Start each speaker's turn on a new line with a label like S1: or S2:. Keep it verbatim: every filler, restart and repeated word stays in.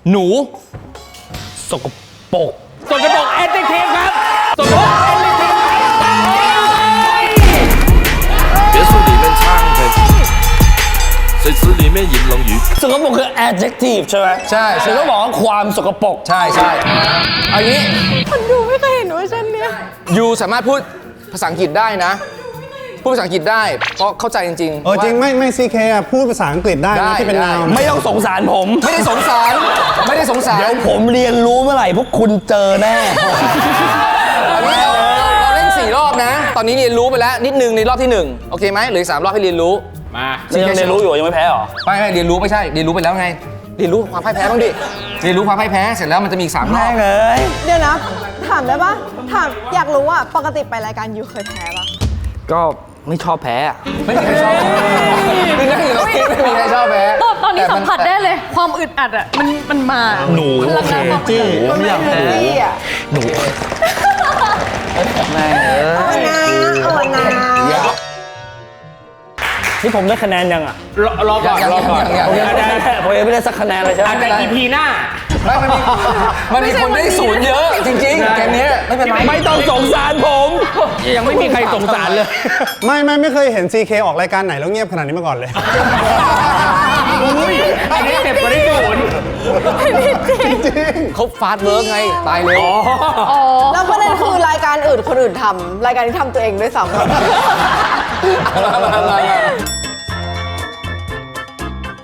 S1: หนูสกปรกสกปรกแอดเจคทีฟครับสกปรกแอดเจคทีฟ
S2: 别墅里面唱的，水池里面饮龙鱼。
S1: สกปรกคือ adjective ใช่ไหม
S3: ใช่
S1: คือต้องบอกว่าความสกปรก
S3: ใช่ใช่เอางี้
S4: คนดูไม่เคยเห็นเวอร์ชันเนี้ย
S3: ยูสามารถพูดภาษาอังกฤษได้นะ พูดภาษาอังกฤษได้เพราะเข้าใจจริงๆ
S5: เออจริงไม่ไม่ซีเคอ่ะพูดภาษาอังกฤษได้
S3: ได้
S5: นะที่เป็น
S3: ได้
S5: นาว
S1: ไม่ต้องสงสารผม
S3: ไม่ได้สงสาร ไม่ได้สงสาร
S1: เดี๋ยวผมเรียนรู้เมื่อไหร่พวกคุณเจอแน่
S3: อันนี้เราเราเราเล่นสี่รอบนะ ตอนนี้เรียนรู้ไปแล้วนิดนึงในรอบที่หนึ่งโอเคไหมเหลืออกสามรอบให้เรียนรู้
S1: มายังเรียนรู้อยู่ยังไม่แพ้หรอ
S3: ไม่ไม่เรียนรู้ไม่ใช่เรียนรู้ไปแล้วไงเรียนรู้ความพ่ายแพ้บ้างดิเรียนรู้ความพ่ายแพ้เสร็จแล้วมันจะมีอีกสามรอบ
S1: เลย
S4: เดี๋ยวนะ ถามได้ปะถามอยากรู้ว่าปกติไปรายการยูเคยแพ้ปะ
S1: ก็ไม่ชอบแพ้
S3: ไม่มีใครชอบคือนั่งอยู่ตรงนี้ไม่มีใครชอบแพ้
S6: ตอนตอนนี้สัมผัสได้เลย ความอึดอัดอ่ะ มันมันมา
S1: หนู
S6: พลังงานความอึดอัด
S4: มันไม่เหมือนพี่อ่ะ
S1: หนูแม่เออ
S4: เอานะเอานะ
S1: นี่ผมได้คะแนนยังอ่ะ
S7: รอรอก่อนรอก่อน
S1: ผมยังไม่ได้ผมยังไม่ได้สักคะแนนเลยใช่ไหม
S7: อาจจะ อี พี หน้า
S3: ไม่มันมีมันมีคนได้ศูนย์เยอะจริงๆเกมนี้ไม่เป็นไร
S1: ไม่ต้องสงสารผม ยังไม่มีใครสงสารเลย
S5: ไม่ไม่ไม่เคยเห็นซีเคออกรายการไหนแล้วเงียบขนาดนี้มาก่อนเลย
S7: อุ้ย อันนี้เจ็บกว่าที่ศูนย์
S3: เขาฟาสต์เวิร์กไงตายเร็ว
S4: แล้วประเด็นคือรายการอื่นคนอื่นทำรายการที่ทำตัวเองด้วยซ้ำ